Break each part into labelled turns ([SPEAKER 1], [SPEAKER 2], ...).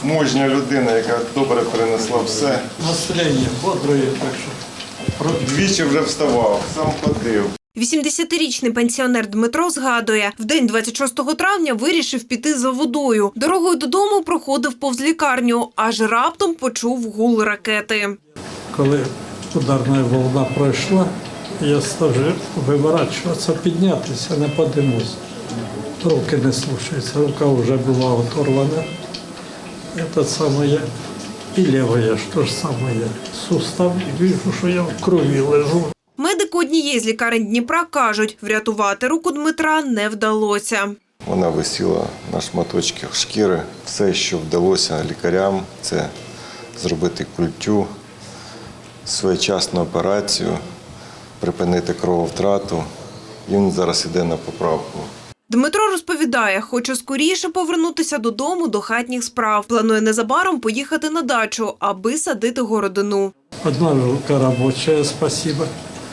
[SPEAKER 1] мужня людина, яка добре перенесла все.
[SPEAKER 2] Настроєння бодре, так що.
[SPEAKER 1] Двічі вже вставав, сам ходив.
[SPEAKER 3] 80-річний пенсіонер Дмитро згадує, в день 26 травня вирішив піти за водою. Дорогою додому проходив повз лікарню, аж раптом почув гул ракети.
[SPEAKER 2] Коли ударна волна пройшла, я став виворачуватися, піднятися, не подимусь. Руки не слушаються, рука вже була оторвана. Це саме я. І лівая, що ж саме я. Сустав, і бачу, що я в крові лежу.
[SPEAKER 3] Медики однієї з лікарень Дніпра кажуть, врятувати руку Дмитра не вдалося.
[SPEAKER 1] Вона висіла на шматочках шкіри. Все, що вдалося лікарям, це зробити культю, своєчасну операцію, припинити крововтрату. Він зараз йде на поправку.
[SPEAKER 3] Дмитро розповідає, хоче скоріше повернутися додому до хатніх справ. Планує незабаром поїхати на дачу, аби садити городину.
[SPEAKER 2] Одна рука робочая, спасибо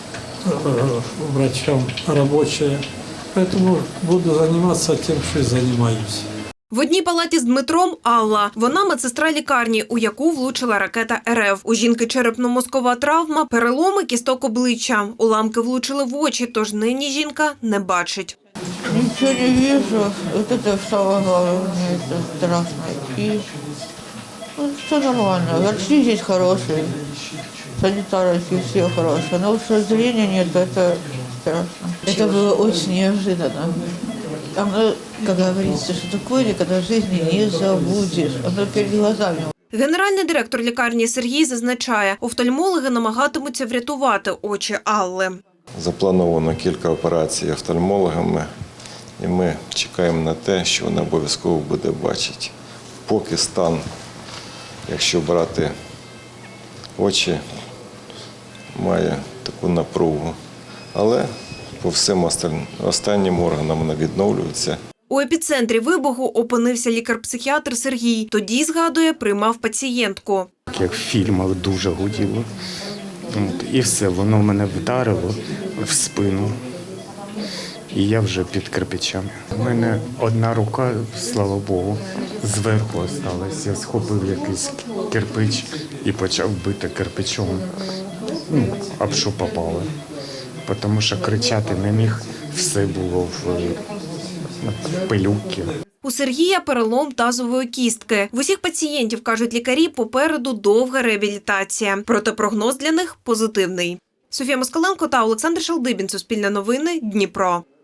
[SPEAKER 2] врачам рабочая. Поэтому буду заниматься тем, что и занимаюсь.
[SPEAKER 3] В одній палаті з Дмитром Алла. Вона медсестра лікарні, у яку влучила ракета РФ. У жінки черепно-мозкова травма, переломи кісток обличчя. Уламки влучили в очі, тож нині жінка не бачить.
[SPEAKER 4] Ничего не вижу. Вот это самое главное, мне это страшно. И все нормально. Врачи здесь хорошие, санитарки все хорошие. Но что зрения нет, это страшно. Это было очень неожиданно. Оно, как говорится, что такое никогда в жизни не забудешь. Оно перед глазами.
[SPEAKER 3] Генеральний директор лікарні Сергій зазначає, офтальмологи намагатимуться врятувати очі Алли.
[SPEAKER 1] Заплановано кілька операцій офтальмологами, і ми чекаємо на те, що вона обов'язково буде бачити. Поки стан, якщо брати очі, має таку напругу, але по всім останнім органам вона відновлюється.
[SPEAKER 3] У епіцентрі вибуху опинився лікар-психіатр Сергій. Тоді, згадує, приймав пацієнтку.
[SPEAKER 5] Як в фільмах дуже гуділо. І все, воно мене вдарило в спину. І я вже під кирпичами. У мене одна рука, слава Богу, зверху залишилась. Я схопив якийсь кирпич і почав бити кирпичом, об що попало. Тому що кричати не міг, все було в пилюки.
[SPEAKER 3] У Сергія перелом тазової кістки. В усіх пацієнтів, кажуть лікарі, попереду довга реабілітація. Проте прогноз для них позитивний. Софія Москаленко та Олександр Шалдибін. Суспільне новини. Дніпро.